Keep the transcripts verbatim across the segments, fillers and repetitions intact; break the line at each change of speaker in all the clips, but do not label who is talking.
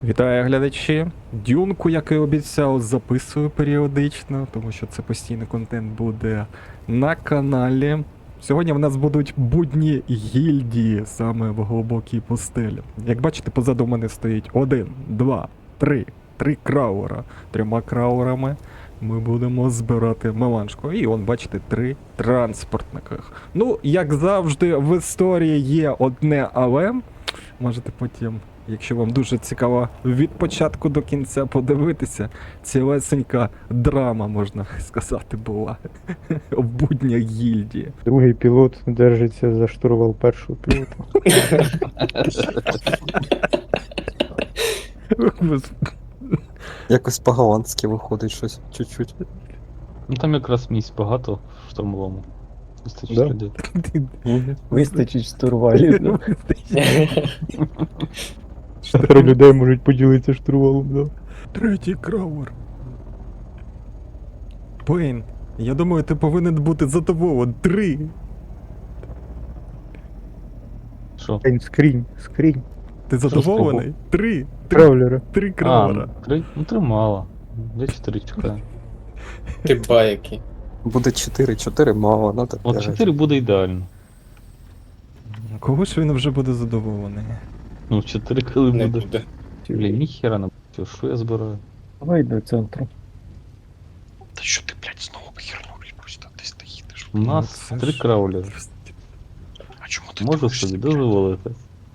Вітаю, глядачі. Дюнку, як і обіцяв, записую періодично, тому що це постійний контент буде на каналі. Сьогодні в нас будуть будні гільдії саме в глибокій пустелі. Як бачите, позаду мене стоїть один, два, три, три крауера. Трьома краурами ми будемо збирати меланжку. І он, бачите, три транспортниках. Ну, як завжди, в історії є одне але. Можете потім, якщо вам дуже цікаво, від початку до кінця подивитися, цілесенька драма, можна сказати, була в буднях гільдії.
Другий пілот держиться за штурвал першого пілота.
Якось по-голландськи виходить щось, чуть-чуть.
Ну там якраз місць багато в штурмовому. Вистачить
Да?
людей.
Вистачить штурвалів. да.
Чотири людей можуть поділитися штурвалом, да.
Третій краувер. Пейн, я думаю, ти повинен бути задоволений. Три.
Що?
Ень, скрінь, скрінь.
Ти задоволений? Три. Три,
Травлера.
три
А,
краувера.
ну, три? Ну три мало. Я чотири чекаю.
Ти байки.
Буде чотири, чотири мало, надо
От
п'ять.
чотири буде ідеально.
Кого ж він вже буде задоволений?
Ну чотири коли
Не
буде.
буде.
Блін, ніхера не бачу, що я збираю.
Давай до центру.
Та що ти, блядь, знову хернули просто десь ти їдеш.
У нас
це
три
ж-
краулери.
А чому ти
Можу
дивишся,
собі
блядь?
дозволити.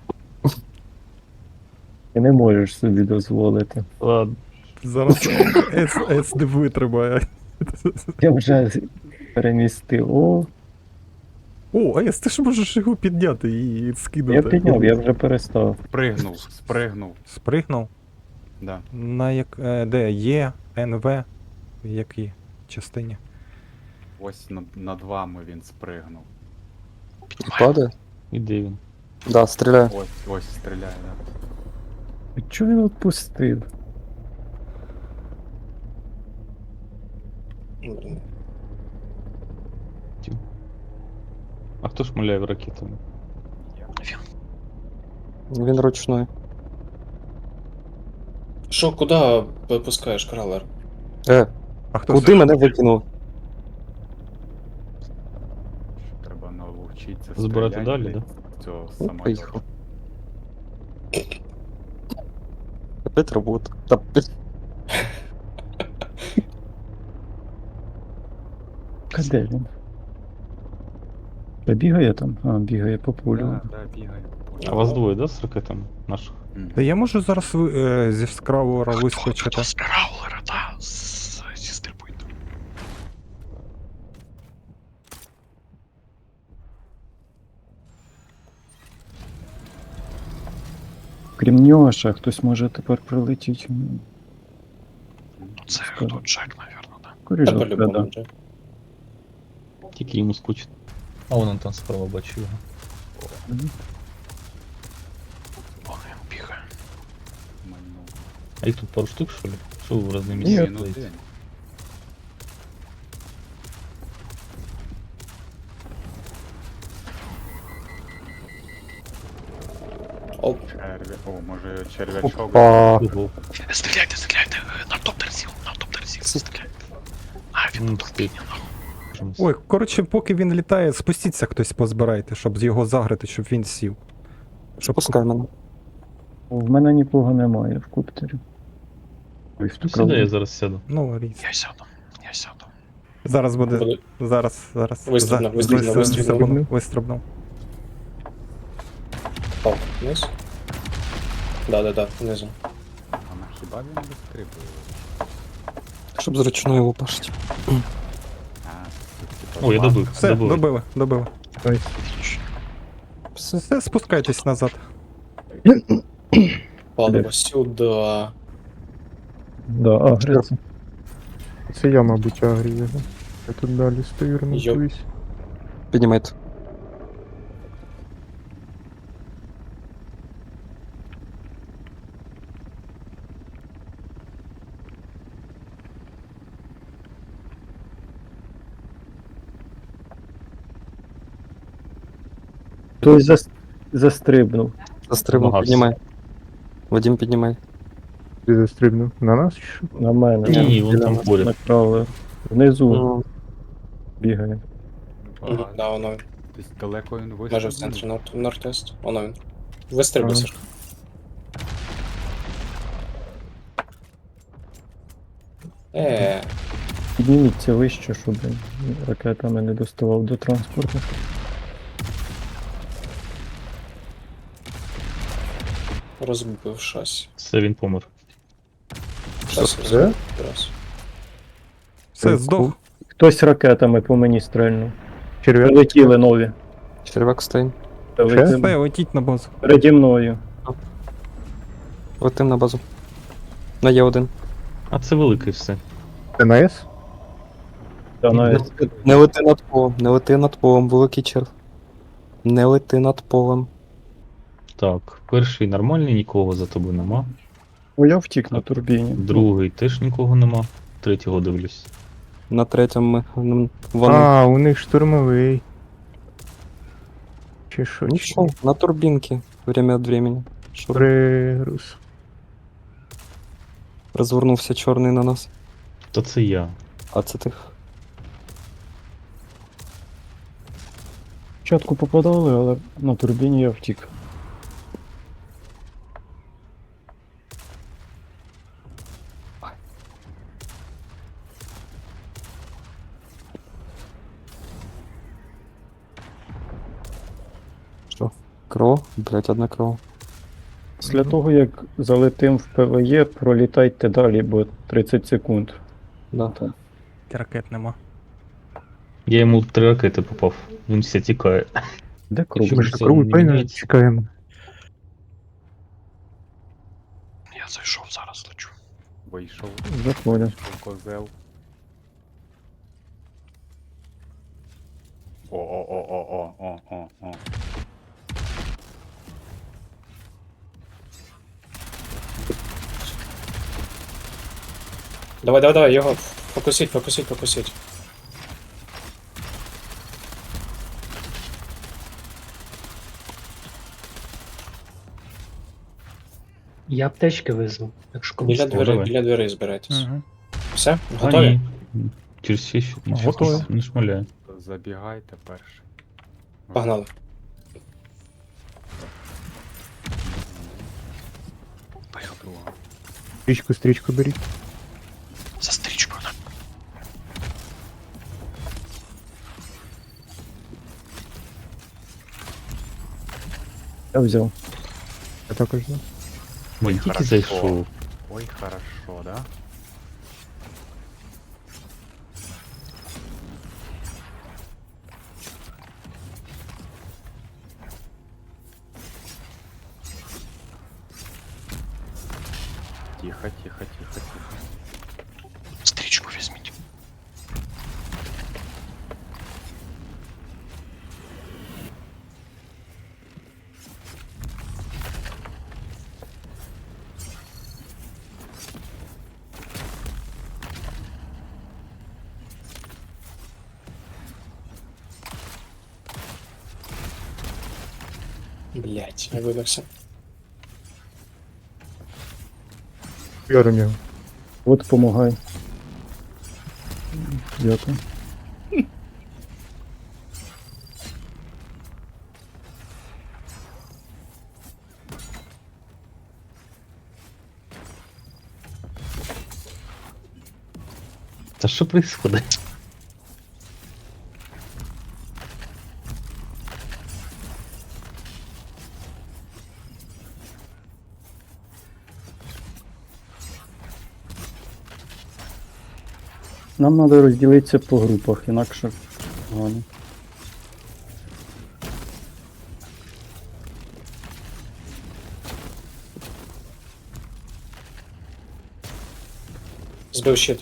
Ти не можеш собі дозволити.
Ладно.
Зараз С, С не витримає.
Я вже перемістив. О,
О, Ес, ти ж можеш його підняти і скинути.
я підняв, я вже перестав.
Спригнув, спригнув,
Спригнув?
да.
На як. е, Де? Є, Н В. В якій частині?
Ось над, над вами він спригнув.
Падає?
І де він?
Да, стріляє.
Ось, ось стріляє, да.
А чого він відпустив?
А хто шмаляє ракетами?
Він ручной.
Що, куди випускаєш кралер?
Е,
А хто
куди мене викинув?
Треба навчитися
Збирати
стріляти,
далі,
блядь,
да?
з цього
Ну,
самольоту.
поїхав. Опять робота. Та, блін,
А де він? Та бігає там? А, бігає по полю.
Да, да, бігає по полю.
А вас двоє, да, з ракетами наших?
Мгм.
Та я можу зараз ви- е, зі скравора
Хто,
вискочити.
хто з Краулера, та, з, зі стрільбою.
Крім нього ще хтось може тепер прилетіти.
Ну це
Скажу.
хто, Джек, навірно, да.
Та
Коріжок,
по-любому
да.
вже.
Тільки йому скучно. А вон он там справа бачу його.
Вон він бігає.
Мальнув.
А їх тут пару штук, що ли? Що ви в різні
Ні,
місця
ну
стоїте?
день.
Оп.
Черві... О, може червячок.
Опа.
Ого.
Стріляйте, стріляйте, е, на топтер сів, на топтер сів,
Це-
стріляйте. А, він
Ну,
тут
стоїть.
підняв.
Ой, коротше, поки він літає, спустіться хтось позбирайте, щоб з його загрити, щоб він сів. Щоб
Пускай мене.
В мене нікого немає в коптері. Ой, в ту
Сюди я
кралу.
зараз сяду.
Ну, різ.
Я сяду, я сяду.
Зараз буде.
Буде.
Зараз, зараз.
Вистрибнув,
За-
вистрибнув,
вис-
вистрибнув.
Вистрибнув.
Впав вниз. Да-да-да, внизу.
А на хіба він вистрибує?
Щоб з ручної лупашить.
А, це, типа,
О, я
план.
добив,
Все,
добив.
добили, добили.
Все.
Все, спускайтесь назад.
Паливо сюди.
Да, агриться. Це я, мабуть, агрію його. Я тут далі стою, ремонтуюсь.
Піднімайте.
Хтось зас... застрибнув.
Застрибнув,
Намагався.
піднімай. Вадим, піднімай.
Ти застрибнув. На нас чи що?
На мене.
Ні, ні, вон
Біля
там
нас
поряд.
на кралер. Внизу
Ну,
бігає.
Мгм, Да, воно він.
Десь далеко він вистрілив.
Майже в центрі норт- нортест. Воно він. Вистрибуй,
Ага.
Сашко. Е,
Підніміться вище, щоб ракетами не доставав до транспорту.
розбив шасі.
Все, він помер.
Шасі
Все?
розбив. Раз.
Все, здох.
Хтось ракетами по мені стрельнув.
Черв'як.
Прилетіли нові.
черв'як стоїть.
Прилетіли.
Все, летіть на базу.
Переді мною.
Летим на базу. На Є один.
А це великий все.
Це на С?
Та
Не,
навіть
лети- не лети над полем, не лети над полем, великий черв. Не лети над полем.
Так, перший нормальний, нікого за тобою нема.
О, я втік на турбіні.
Другий теж нікого нема. Третього дивлюсь.
На третьому ми. м, Вони.
А, у них штурмовий. Чи що? чи
Нічого,
ні?
на турбінки. Время від времени. Що
Пригруз.
розвернувся чорний на нас.
То це я.
А це тих.
Спочатку попадали, але на турбіні я втік.
Що? Кров? Блять, одна кров.
Після того, як залетим в ПВЕ, пролітайте далі, бо тридцять секунд.
Да.
Ракет нема.
Я йому три ракети попав. Він все тікає.
Де круг?
Що
Ми
ж
ж
це
на кругу
не
пейна
міняється?
чекаємо.
Я зайшов, зараз лечу.
Вийшов.
Заходять.
Вийшов козел. О-о-о-о-о-о-о-о.
Давай, давай, давай, його фокусіть, фокусіть, фокусіть.
Я аптечки визвав, якщо комусь.
Біля
Давай.
дверей, біля дверей збирайтесь.
Угу.
Все?
А,
Готові?
ні. Через ще ще
Готові.
не шмаляє.
Забігайте перший.
Погнали.
Поїхали.
Друга.
Стрічку, стрічку беріть.
За стрічкою. на.
Я взяв.
Я також знаю.
Він
Ой,
тільки
хорошо.
зайшов.
Ой, хорошо, да? Тихо, тихо, тихо, тихо.
Стрічку візьміть.
Блять, я вибився.
Яром його.
От помагай. Дякую.
Та що происходить?
Нам треба розділитися по групах, інакше погано.
Збив щит.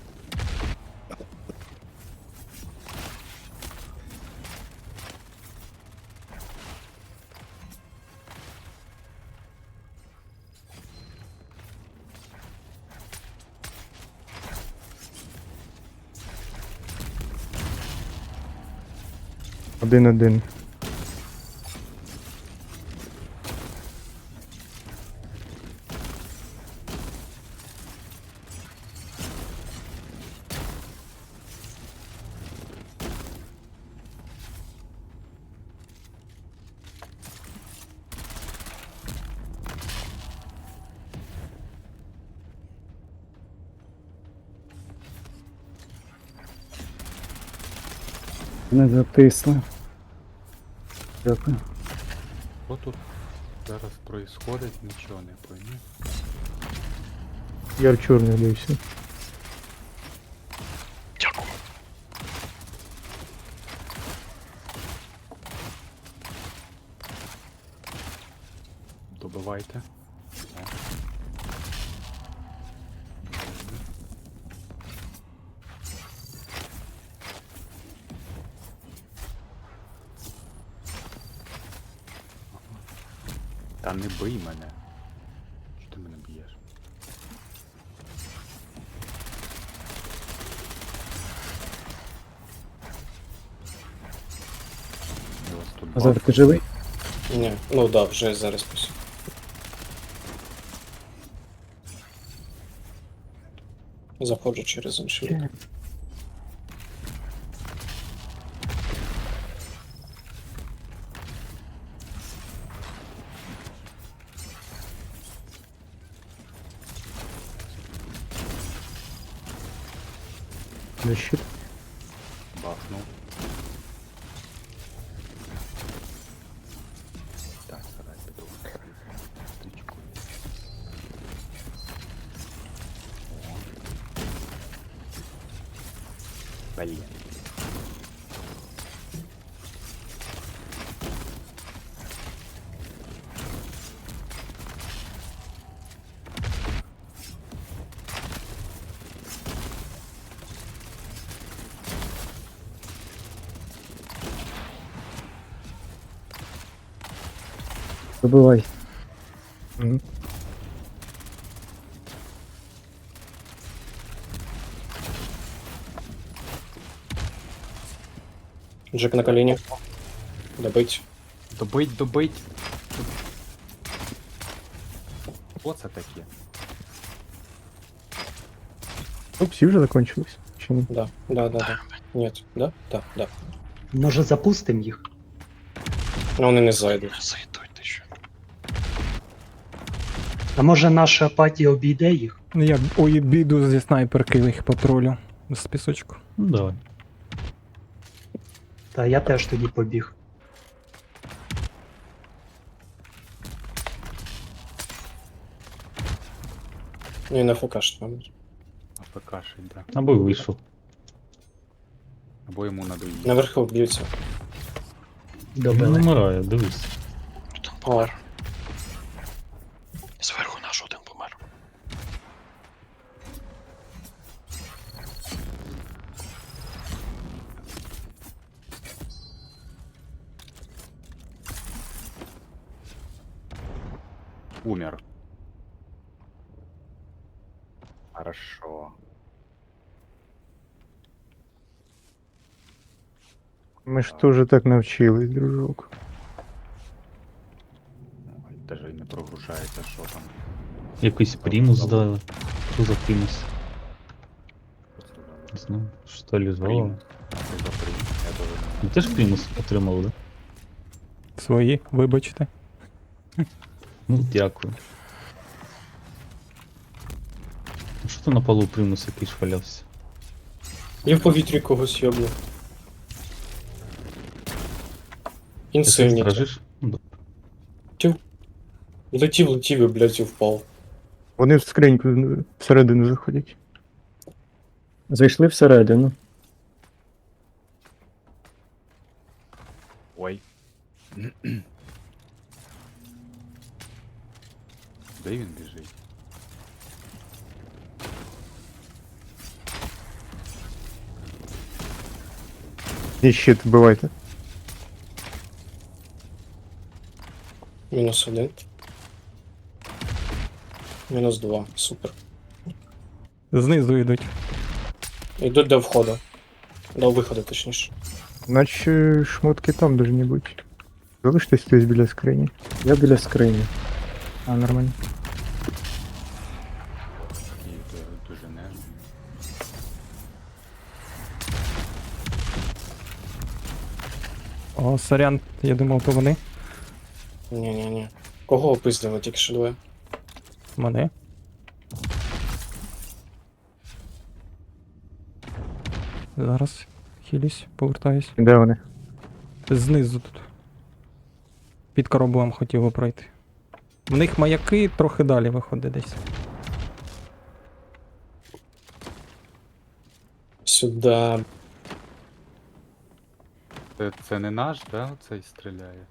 Один-один.
Не затисли. Дякую.
Що тут зараз происходить, нічого не пойму.
Яр чорний дивився.
Дякую.
Добивайте. О. Та не бий мене. Що ти мене б'єш? Я вас тут
Азар,
бачу.
ти живий?
Ні, ну да, вже зараз пос. Заходжу через інший лік.
Защит.
Бахнув. Так, зараз піду. Стрічку. О. Блін.
Добивай.
Мгм.
Джек на коліні. Добить.
Добить, добить. Що це таке?
Ну, всі вже закончились. Чи ні?
Да, да, да, да. Нет, да? Да, да.
Може запустимо їх?
Ну вони не зайдуть.
Зайдуть ти що.
А може наша апатія обійде їх?
Я ой, біду зі снайперки їх патрулю з пісочку.
Ну давай.
Та я теж тоді побіг.
Ну і на ФК ж мабуть.
АПКшить, да.
Або вийшов.
Або йому надоїть.
Наверху б'ються.
Він
Добили.
вмирає, дивись.
Один помер. Зверху наш один помер.
Умер. Хорошо.
Ми ж теж так навчились, дружок.
Ой, даже й не прогружається, що там.
Якийсь примус дали. Що за примус? Не знаю. Що ли звало?
Примус. А що за примус? Я даже не
Ви теж примус отримали, да?
Свої, вибачте.
Ну, дякую. А що то на полу примус якийсь валявся?
Я в повітрі когось йобну.
Ти
Інсильні.
стражиш? Ну, да.
Летів, летів і, блядь, і впав.
Вони в скриньку всередину заходять.
Зайшли всередину.
Ой. Де він біжить?
І щит вбивайте.
Мінус один. Мінус два. Супер.
Знизу йдуть.
Йдуть до входу. До виходу, точніше.
Наче шмотки там должні бути. Залиштесь хтось біля скрині.
Я біля скрині.
А, нормально.
Такий е, дуже нежний.
О, сорян, я думав, то вони.
Ні-ні-ні. Кого опиздили тільки що двоє?
Мене. Зараз Хілісь, повертаюсь.
Де вони?
Знизу тут. Під кораблем хотів би пройти. В них маяки трохи далі виходить десь.
Сюда.
Це, це не наш, да, оцей стріляє?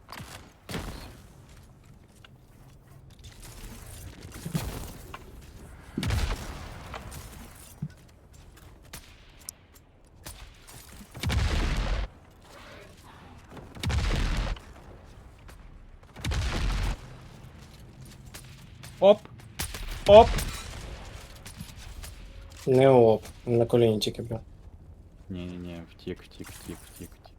Оп! Оп!
Не оп. На коліні тільки бля.
Ні-ні-ні, втік, втік, втік, втік, втік.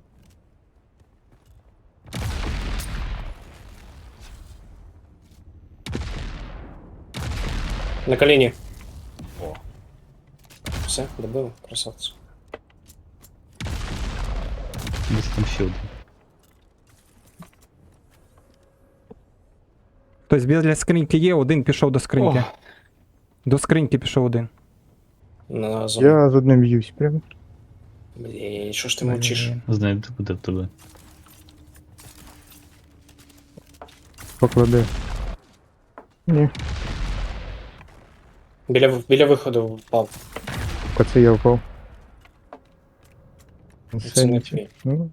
На коліні.
О,
Все, добили, красавці.
Десь там ще один.
Хтось біля скриньки є, один пішов до скриньки.
О.
До скриньки пішов один.
На зону.
Я з одним б'юсь прям.
Блін, що ж ти мовчиш?
Блін.
Знайду буде в тебе.
Покладе. Ні,
Біля, біля виходу впав.
а це я впав.
Це не твій.
Ну,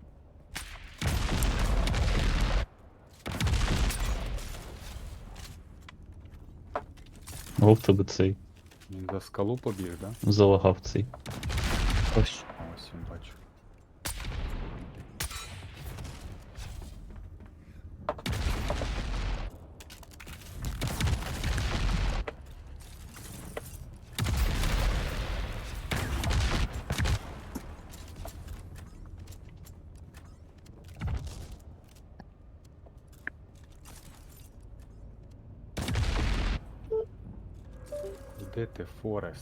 О, в тебе цей.
він за скалу побіг, да?
Залагав цей.
ось.
А, ось він бачу. Де ти, Форест?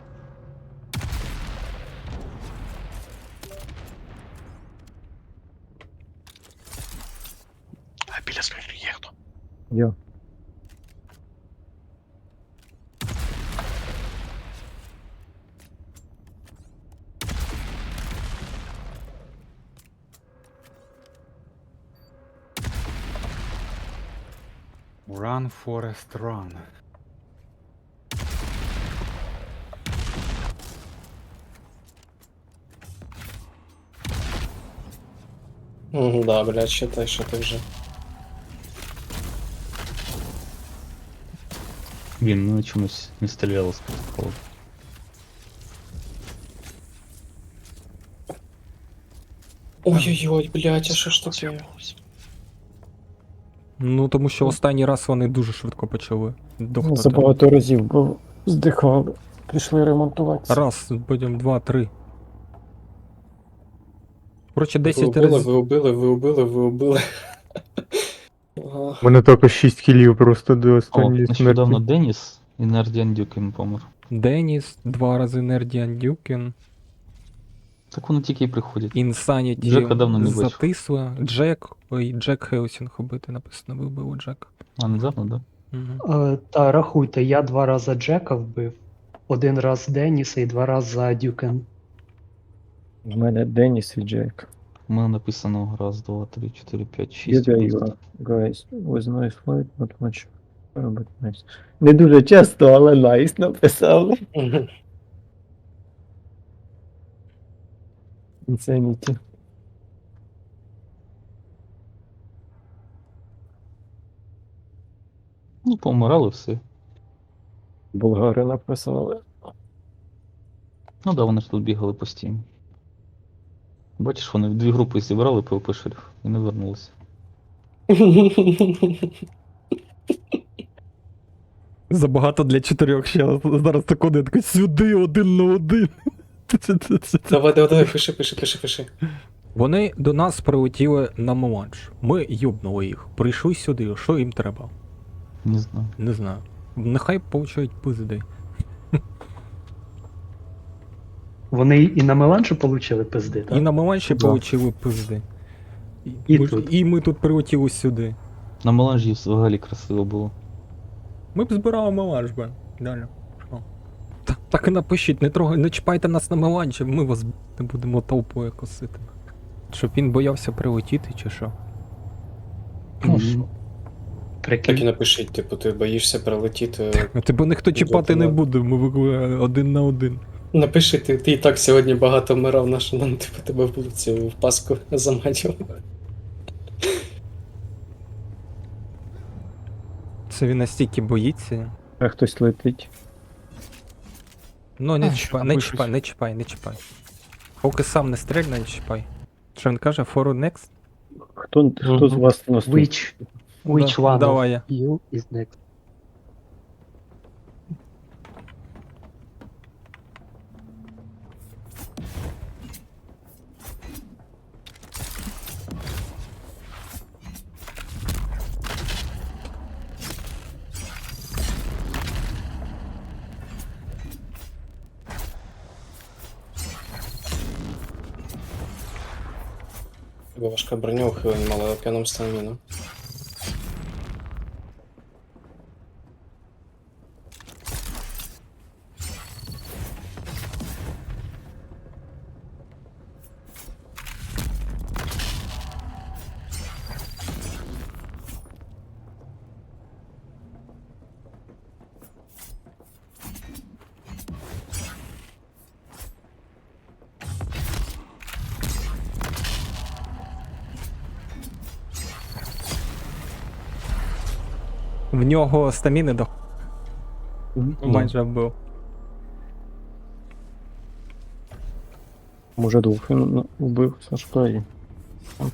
А біля скриньки є хто?
Я.
Run, Forest, run.
Мгм, да, блядь, считай, що ти вже.
Він ну чомусь не стріляло з протоколу.
Ой-ой-ой, блядь, а що ж таке?
Ну, тому що останній раз вони дуже швидко почали дохнути.
Забагато разів, бо здихали. Пішли ремонтуватися.
Раз, потім два, три. Коротше,
Ви
десять
убили,
разів.
ви убили, ви убили, ви убили. Ага.
У мене тільки шість кілів просто до
О,
останньої
нещодавно
смерті.
Деніс і Нардіан Дюкін помер.
Деніс, два рази Нердіан Дюкін,
Так вони тільки і приходять.
Інсаніті
Джека давно не бачив.
затисла, Джек, ой, Джек Хелсінг убити написано, вибив Джек.
А, недавно, да?
Угу.
Е, Та рахуйте, я два рази Джека вбив, один раз Деніса і два рази Дюкен.
В мене Деніс і Джек.
У мене написано раз, два, три, чотири, п'ять, шість.
Юда Юа. Guys, was nice fight, not much. uh, But nice. Не дуже часто, але nice написали.
Мгм.
Insanity.
Ну, помирали все.
Болгари написали.
Ну да, вони ж тут бігали постійно. Бачиш, вони в дві групи зібрали ПВП шериф і не вернулися.
Забагато для чотирьох ще. Зараз секунду, я такий сюди, один на один.
Давай, давай, давай, пиши, пиши, пиши, пиши.
Вони до нас прилетіли на меланж. Ми юбнули їх. Прийшли сюди. Що їм треба?
Не знаю.
Не знаю. Нехай получають пизди.
Вони і на меланжі получили пизди, так?
І на меланжі
Да.
получили пизди. І,
І
ми, ж-
тут.
і ми тут прилетіли сюди.
На меланжі взагалі красиво було.
Ми б збирали меланж би. Далі. Що? Та, Так і напишіть, не трогай, не чіпайте нас на меланчі, ми вас не будемо толпою косити. Щоб він боявся прилетіти чи що?
Ну, що?
Так і
Прикинь.
напишіть, типу, ти боїшся прилетіти.
А тебе ніхто чіпати не
Добре.
буде, ми ви- один на один.
Напиши, ти, ти і так сьогодні багато вмирав, на що нам типу тебе в цю в паску заманював.
Це він настільки боїться.
А хтось летить.
Ну, не
А,
чіпай,
що
не
напишуть?
чіпай, не чіпай, не чіпай. Поки сам не стрельне, не чіпай. Що він каже, for next?
Хто, хто з
Мгм.
вас наступний?
Which, which
Да,
one
давай я.
of you is next?
Тебе важка броня ухилень мала океаном стаміну.
В нього стаміни до майже вбив.
Може двох він ну, вбив Сашка і. От.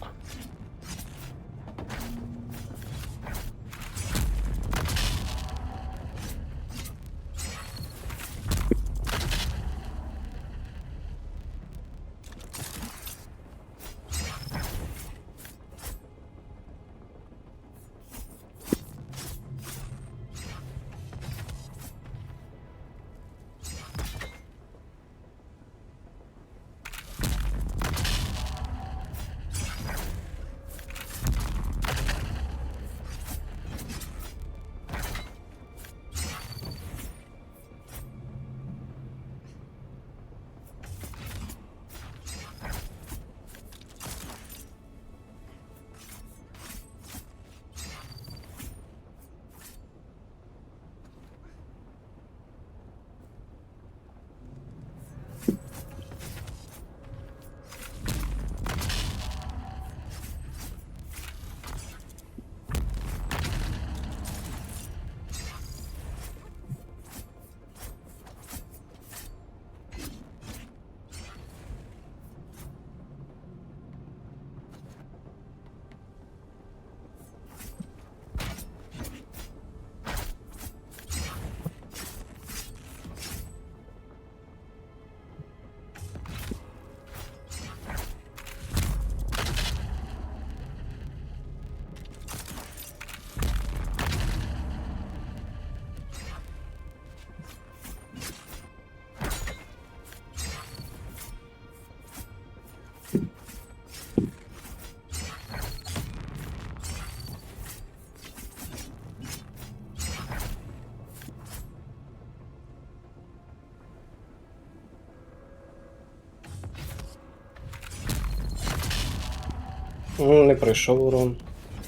Ну, не пройшов урон.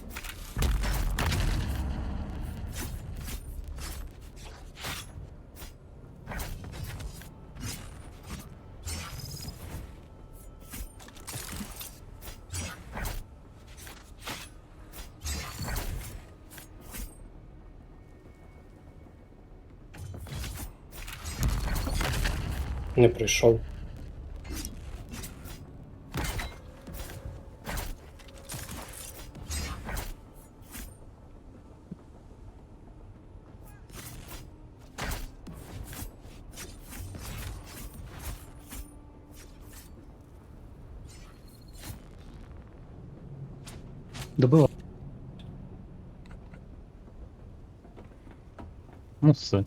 Не прийшов.
Добила.
Ну все.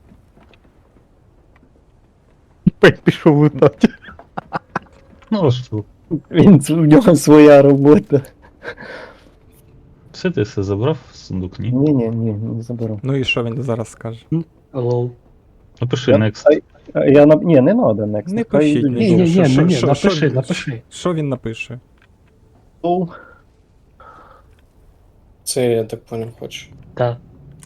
Пек пішов лутати.
Ну а що?
Він в нього своя робота.
Все ти все забрав з сундук, ні?
Ні, ні, ні, не заберу.
Ну і що він зараз скаже?
Лол.
Напиши
Я-
next.
а- А Я на... Ні, не надо next.
Не
нехай
пишіть
йдуть
Ні,
нічого.
ні,
Що-
ні,
що-
ні,
що-
напиши,
що-
напиши.
Що він напише?
до.
Це я так поняв, хочу.
Так.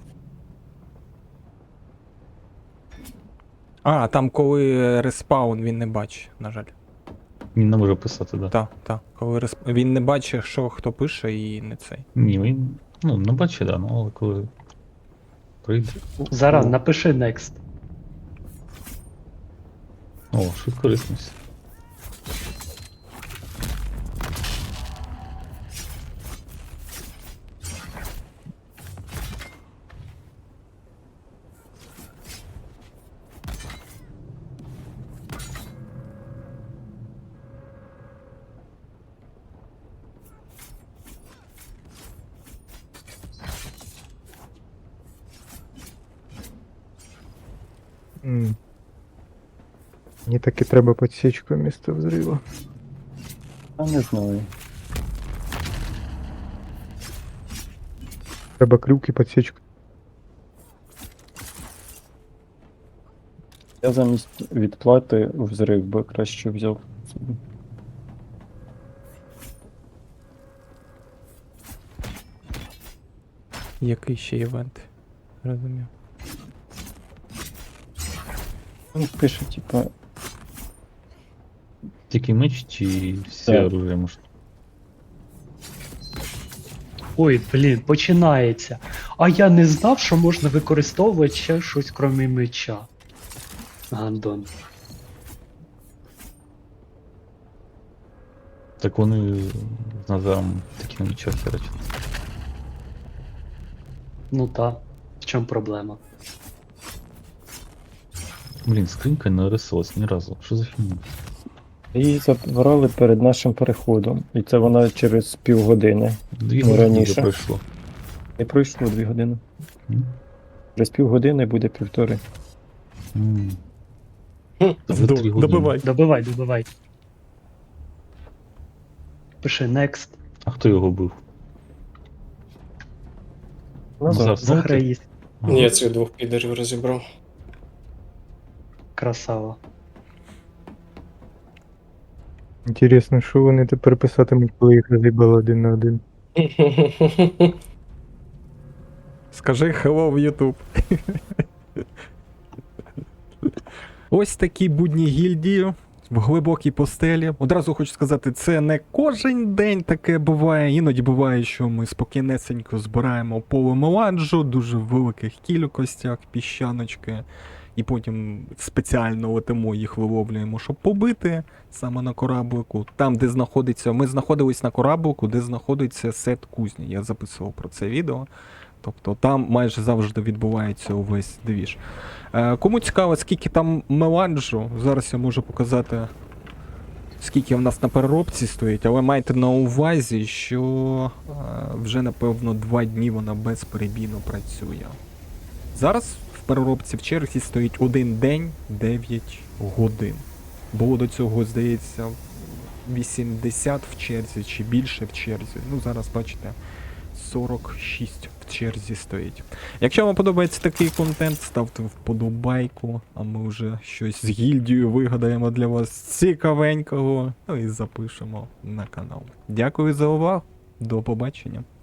А, там коли респаун він не бачить, на жаль.
Він не може писати, да.
Так, так. Коли респ... він не бачить, що хто пише, і не цей.
Ні, він. Ну, не бачить, да, ну але коли прийде.
Зараз напиши next.
О, швидкорисність.
М. Мені таки треба підсічку місто взриву.
А не знаю.
Треба крюк і підсічку.
Я замість відплати взрив би краще взяв собі.
Який ще івент? Розумію.
Він пише, типа,
Тільки меч чи всі
Так.
оружия можна?
Ой, блін, починається. А я не знав, що можна використовувати ще щось крім меча. Гандон.
Так вони з Назаром такі нічого херачать.
Ну та, в чому проблема?
Блін, скринька не рисилась ні разу. Що за фігня?
її забрали перед нашим переходом. І це вона через півгодини.
Дві
Ну,
години
раніше.
вже пройшло.
Не пройшло дві години.
М?
Через півгодини буде півтори.
М.
Хм.
Вже
До-
три години.
Добивай.
Добивай, добивай. Пиши next.
А хто його бив?
Назар.
Назар, знову ти?
Заграїст.
Ага.
Я цих двох підерів розібрав.
Красава.
Інтересно, що вони тепер писатимуть, коли їх розібали один на один.
Скажи hello в YouTube. Ось такі будні гільдії в глибокій постелі. Одразу хочу сказати, це не кожен день таке буває. Іноді буває, що ми спокійнесенько збираємо поле меладжу, дуже в великих кількостях, піщаночки. І потім спеціально летимо їх виловлюємо, щоб побити саме на кораблику. Там, де знаходиться. Ми знаходились на кораблику, де знаходиться сет кузні. Я записував про це відео. Тобто там майже завжди відбувається увесь двіж. Е, кому цікаво, скільки там меладжу, зараз я можу показати, скільки в нас на переробці стоїть, але майте на увазі, що е, вже напевно два дні вона безперебійно працює. Зараз в переробці в черзі стоїть один день, дев'ять годин. Було до цього, здається, вісімдесят в черзі чи більше в черзі. Ну, зараз бачите, сорок шість в черзі стоїть. Якщо вам подобається такий контент, ставте вподобайку, а ми вже щось з гільдією вигадаємо для вас цікавенького, ну і запишемо на канал. Дякую за увагу, до побачення.